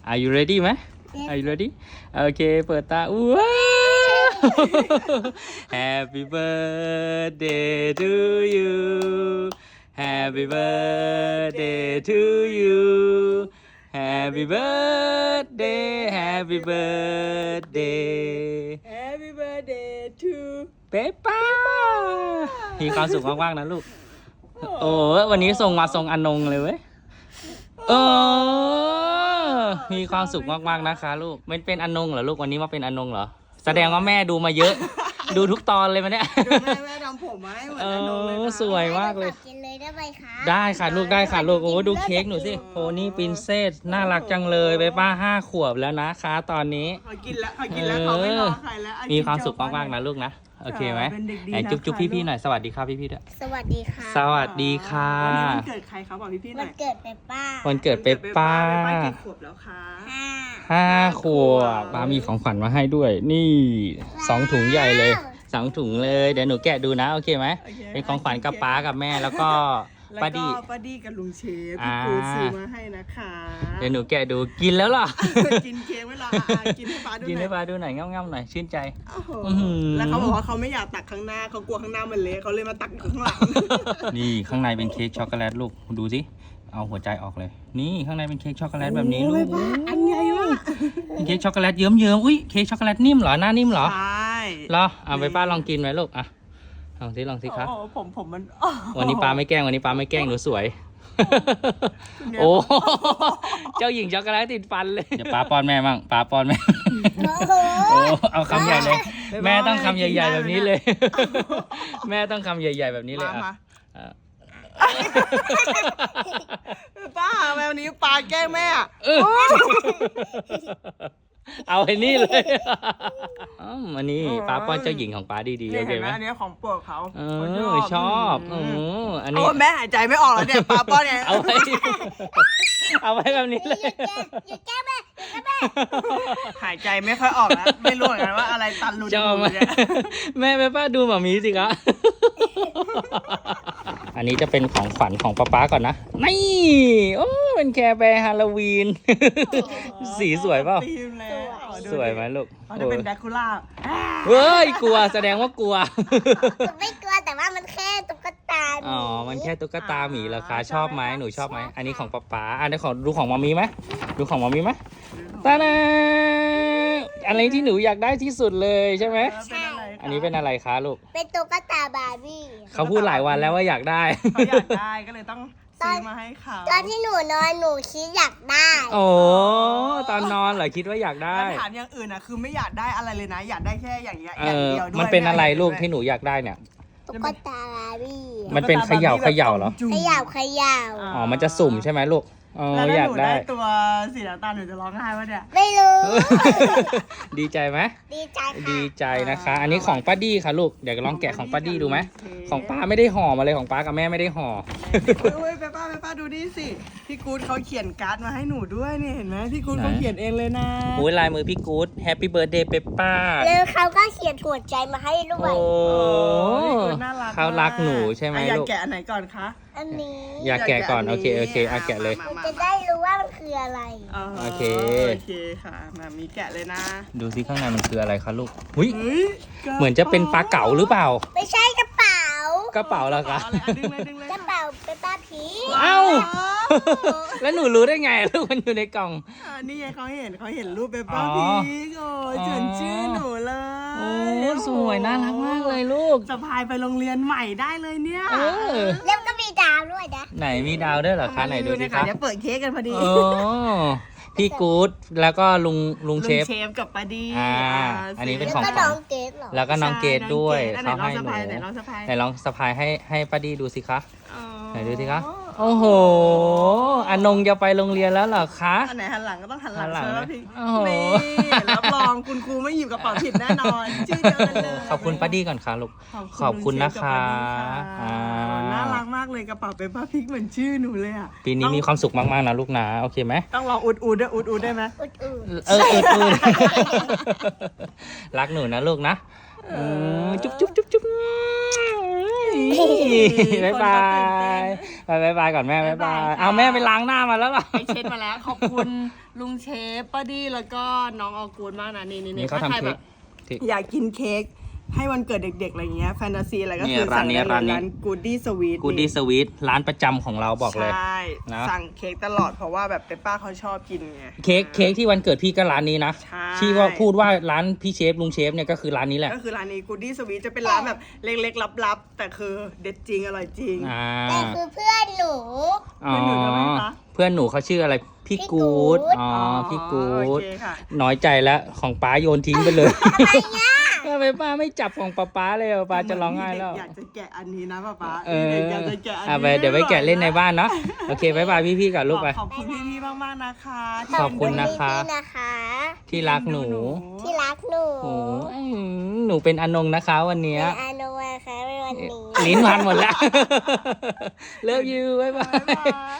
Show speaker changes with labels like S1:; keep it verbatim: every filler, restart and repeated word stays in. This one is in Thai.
S1: Are you ready ไหม Are you ready โอเคเปิดตาว้าว Happy birthday to you Happy birthday to you Happy birthday Happy birthday
S2: Happy birthday to
S1: เปป้ามีความสุขมากๆนะลูกโอ้วันนี้ส่งมาทรงอนงเลยเว้ยเออมีความสุขมากๆนะคะลูกมันเป็นอนงเหรอลูกวันนี้มาเป็นอนงเหรอแสดงว่าแม่ดูมาเยอะ ดูทุกตอนเลยมันเนี่ย
S2: ดูแม่แม่ทำผมมาให้เหมือน
S1: เอ
S2: อนงเลย
S1: อ
S2: นะ
S1: สวยมากเลย
S3: กินเลยได้ไหมคะ
S1: ได้ค่ะลูกได้ค่ะลูกโอ้ดูเค้กหนูสิโพนี่ปรินเซสน่ารักจังเลยไปป้าห้าขวบแล้วนะคะตอนนี้
S2: เขากินแล้วเขากินแล้วเขาไม่รอใครแล้วอ่ะ
S1: มีความสุข
S2: กิน
S1: มากๆนะลูกนะโอเคไหม
S2: เป็นเด็กดี
S1: ไหน
S2: นะ
S1: จุ๊บจุ๊บ
S2: คะ
S1: พี่ๆหน่อยสวัสดีครับพี่ๆด้วย
S3: สวัสดีค่ะ
S1: สวัสดีค่ะ
S2: วันนี้วันเกิดใครครับบอกพี่ๆห
S3: วั
S2: น่อน ย
S3: เกิดเปป้า
S1: วันเกิดเปปป้า
S2: เปป้ากี่ขวบแล้วคะ
S3: ห้า
S1: ห้าขวบป้ามีของขวัญมาให้ด้วย นี่สองถุงใหญ่เลยสองถุงเลยเดี๋ยวหนูแกะดูนะโอเคไหม
S2: โอเค
S1: เป็นของขวัญกับป้ากับแม่แล้วก็
S2: แล้ว
S1: ป้า
S2: ก็
S1: ดี
S2: ป้าดีกับลุงเชฟ
S1: อ่า
S2: พี่กูซื้อมาให้นะคะ
S1: เดี๋ยวหนูแกะดูกินแล้วเหรอ
S2: กินเค้กไว้รออ่ะกินให้ป้าดู
S1: กิน
S2: หน่
S1: ให้
S2: อย
S1: ป้าดูหน่อยง่ำๆหน่อยชื่นใจ
S2: โอ้โห
S1: อื้อหือ
S2: แล้วเขาบอกว่าเขาไม่อยากตักข้างหน้าเขากลัวข้างหน้ามันเละเขาเลยมาตักข้างหลัง
S1: นี่ข้างในเป็นเค้กช็อกโกแลตลูกดูสิเอาหัวใจออกเลย นี่ข้างในเป็นเค้กช็อกโกแลตแบบนี้ลู
S2: โอ้
S1: ก
S2: ยป้าอันใหญ่มาก
S1: เป็นเค้กช็อกโกแลตเยิ้มๆอุ้ยเค้กช็อกโกแลตนิ่มเหรอหน้านิ่มเหรอ
S2: ใช่
S1: เหรอเอาไปป้าลองกินไหมลูกอ่ะลองสิลองสิครับ
S2: โอ้โหผมผมมัน
S1: วันนี้ป้าไม่แกล้งวันนี้ป้าไม่แกล้งหนูสวย โอ้ เจ้าหญิงช็อกโกแลตติดฟันเลยเดี๋ยวป้าป้อนแม่มั่งป้าป้อนแม่
S3: โอ้โห
S1: โอ้เอาคำใหญ่เลย แม่ต้องคำใหญ่ๆแบบนี้เลย แม่ต้องคำใหญ่ๆแบบนี้เลย
S2: มา
S1: อ่ะ
S2: มา
S1: อ่ะ
S2: ป้าแมวนี้ปลาแกล้งแม่อะ
S1: เออเอาไอ้นี่เลยอ๋ออันนี้ป้าป้อนเจ้าหญิงของป้าดีๆ
S2: นี่
S1: โอเค
S2: เห็นไห
S1: ไห
S2: ม
S1: ม
S2: อันนี้ของโปรดเขา
S1: เอ
S2: เขา
S1: อชอบโอ้อันนี้
S2: โอ้แม่หายใจไม่ออกแล้วเนี่ยปลาป้อนเนี่ย
S1: เอาไว้ เอาไว้แบบนี้เลย
S3: อย่าแก้แม่อย่าแก้แม่
S2: หายใจไม่ค่อยออกแล้วไม่รู้เหมือนกันว่าอะไรตันรูจ
S1: ชอบ
S2: มู
S1: ไหม
S2: กเนี่ย
S1: แม่แม่ป้าดูหมามีสิครับอันนี้จะเป็นของขวัญของป๊าป๊าก่อนนะนี่โอ้เป็นแคร์แบร์ฮาโลวีน สีสวยเปล่า
S2: ธีมแล้วอ๋อดูดิ
S1: สวยไหมลูก
S2: อ๋อจะเป็นแดคูล่า
S1: เฮ้ยกลัวแสดงว่ากลัว
S3: หนูไม่กลัวแต่ว่ามันแค่ตุ๊กตา
S1: อ๋อ มันแค่ตุ๊กตาหมีเหรอคะชอบไหมหนูชอบไหมอันนี้ของป๊าป๊าอันนี้ของดูของมามีไหมดูของมามีไหมตาดาอะไรที่หนูอยากได้ที่สุดเลยใช่ไหม
S2: เป็นอะไรคะ
S1: อันนี้เป็นอะไรคะลูก
S3: เป็นตุ๊กตาบาร์บี้
S1: เขาพูดหลายวันแล้วว่าอยากได้
S2: เขาอยากได้ก็เลยต้องซื้อมาให้เขา
S3: ตอนที่หนูนอนหนูคิดอยากได้
S1: โอ้ตอนนอนเหรอคิดว่าอยากได้
S2: แล้วถามอย่างอื่นอ่ะคือไม่อยากได้อะไรเลยนะ อยากได้แค่อย่างเงี้ย
S1: เอ
S2: อย่าง
S1: อ
S2: เดียวด้วย
S1: มันเป็นอะไรลูก
S2: ม่
S1: ที่หนูอยากได้เนี่ย
S3: ตุ๊กตาบาร์บี้
S1: มันเป็นเขย่าเขย่าเหรอ
S3: ขยาวขยาว
S1: อ๋อ มันจะสุ่มใช่ไหมลูก อ๋อ
S2: แล้วถ้า
S1: อยา
S2: ห
S1: ก
S2: นู
S1: ได้
S2: ได้ตัวสีน้ำตาลหนูจะร้องไห้วะเนี่ย
S3: ไม่รู้
S1: ดีใจไหม
S3: ดีใจค่ะ
S1: ดีใจนะคะ อันนี้ของป้าดี้ค่ะลูก เดี๋ยวลองแกะของป้าดี้ดูไหม ของป้าไม่ได้ห่อมาเลยของป้ากับแม่ไม่ได้ห่อ
S2: เฮ้ยไปป้าไปป้าดูนี่สิพี่กู๊ดเขาเขียนการ์ดมาให้หนูด้วยนี่เห็นไหมพี่กู๊ด
S1: ไหน
S2: เขาเขียนเองเลยนะ
S1: หูยลายมือพี่กู๊ด Happy Birthday เปปป้า
S3: แล้วเขาก็เขียนหัวใจมาให้ด้ว
S1: โอ้
S3: ย
S2: พี่กู๊ดน่ารัก
S1: เขารักหนูใช่ไหม
S2: อ่ะอยาก
S1: ลูก
S2: แกะอันไหนก่อนคะ
S3: อันนี้
S1: อยากแกะก่อน โอเค โอเคอ่ะแกะเลย
S3: หนูจะได้รู้ว่ามันคืออะไร
S1: โอเค
S2: โอเคค่ะมามีแกะเลยนะ
S1: ดูซิข้างในมันคืออะไรคะลูกหุย
S2: เฮ้ย
S1: เหมือนจะเป็นปลาเก๋าหรือเปล่า
S3: ไม่ใช่กระเป๋าก
S1: ระเป๋าเหรอคะ
S2: อะไรอ่ะดึงเลยดึงเลย
S3: กระเป๋าเป็นป้าผี
S1: เอ้า แล้วหนูรู้ได้ไงลูกมันอยู่ในกล่อง
S2: อ่านี่ไงเขาเห็นเขาเห็นรูปเปปเปอ
S1: อ๋
S2: ร์
S1: อ
S2: พีกโอ้ยเฉินชื่อหนูเลย
S1: โอ้สวยน่ารักมากเลยลูก
S2: สะพายไปโรงเรียนใหม่ได้เลยเนี่ย
S1: เออ
S3: แล้วก็มีดาวด้วยนะ
S1: ไหนมีดาวด้วยเหรอคะไหนดูสิ
S2: นะ
S1: คะ
S2: เดี๋ยวเปิดเค้กกันพอดี
S1: โอ้พี่กู๊ดแล้วก็ลุงลุงเชฟ
S2: ลุงเชฟกับปาดี
S1: อ่า
S2: า
S1: อันนี้เป็น
S3: แล้ว
S1: ของ
S3: ก็
S1: ขวัญ
S3: น้องเกดเหรอ
S1: แล้วก็น้องเกดด้วย
S2: ใช่
S1: เขาให้ห
S2: น้อง
S1: นู
S2: สะพายไหนลองสะพาย
S1: ไหนลองสะพายให้ให้ป้าดีดูสิคะ
S2: อ๋อ
S1: ไหนดูสิคะโอ้โหอนงจะไปโรงเรียนแล้วเหรอคะ
S2: อันไหนหันหลังก็ต้องหันหลัง
S1: หันหลัง
S2: เชิญ
S1: นะ
S2: พี่
S1: โอ้โห
S2: นี่รับรองคุณครูไม่หยิบกระเป๋าผิดแน่นอนชื่อเดียวกันเลย
S1: ขอบคุณป้าดีก่อนค่ะลูก ขอบคุณนะคะ
S2: อ่า
S1: อ่า
S2: น่ารักมากเลยกระเป๋าเป็นป้าพริกเหมือนชื่อหนูเลยอ่ะ
S1: ปีนี้มีความสุขมากๆนะลูกนะโอเคไหม
S2: ต้องลองอุดอุดด้วยอุดอุดได้ไหม
S3: อุดอุด
S1: เออเออเออรักหนูนะลูกนะอืมจุ๊บจุ๊บจุ๊บจุ๊บบายบายบายบายบายก่อนแม่บายบายเอาแม่ไปล้างหน้ามาแล้วเหรอ
S2: ไปเช็ดมาแล้วขอบคุณลุงเชฟป้าดี้แล้วก็น้องออกูดมากนะนี่นี่
S1: นี่เขา
S2: ถ้าใคร
S1: ทำ
S2: แบ
S1: เค้ก
S2: บอยากกินเค้กให้วันเกิดเด็กๆอะไรเงี้ยแฟนตาซีอะไรก็
S1: นี่
S2: คือ
S1: ร้า
S2: สั่
S1: น
S2: ง
S1: นี้
S2: ได้เลย
S1: ร้านนี้
S2: ร้านกูดดี้สวีท
S1: กูดดี้สวีทร้านประจำของเราบอกเลย
S2: ใช่
S1: นะ
S2: สั่งเค้กตลอดเพราะว่าแบบเปป้าเขาชอบกินไง
S1: เค้กเค้กที่วันเกิดพี่ก็ร้านนี้นะ
S2: ใช่
S1: ที่ว่าพูดว่าร้านพี่เชฟลุงเชฟเนี่ยก็คือร้านนี้แหละ
S2: ก็คือร้านนี้กูดดี้สวีทจะเป็นร้านแบบเล็กๆลับๆแต่คือเด็ดจริงอร่อยจริง
S1: อ่า
S3: แต่คือเพื่อนหนู
S1: อ๋อ
S2: เพื่อนหนูทำไมคะ
S1: เพื่อนหนูเขาชื่ออะไรพี่
S3: พี่
S1: กู๊ด
S3: กู๊ด
S1: อ๋อพี่กู
S2: โอ
S1: ๊ด
S2: เคค่ะ
S1: น้อยใจแล้วของป้าโยนทิ้งไปเลย
S3: ทำไมเนี่ย
S1: ทำไมป้าไม่จับของป้าป้าเลยอ่ะป้าจะร้องไห้แล้ว
S2: อยากจะแกะอันนี้นะป๊าป๊า
S1: เออ
S2: เด็กอยากจะแกะอัน
S1: อ่ะ
S2: นี้
S1: ไปเดี๋ยวไปแกะเล่นในบ้านเนาะโอเคบายบายพี่ๆกับลูกไป
S2: ขอบคุณพี่ๆมากๆนะคะ
S1: ขอบคุณนะคะ
S3: พี่ๆนะคะ
S1: ที่รักหนู
S3: ที่รักหนู
S1: โอ้ยหนูเป็นอนงนะคะวันเนี้ย
S3: เป็นอาโนวาค่ะในวันนี้
S1: ลิ้นพันหมดแล้ว เลิฟยูบายบา
S2: บ๊ายบาย ย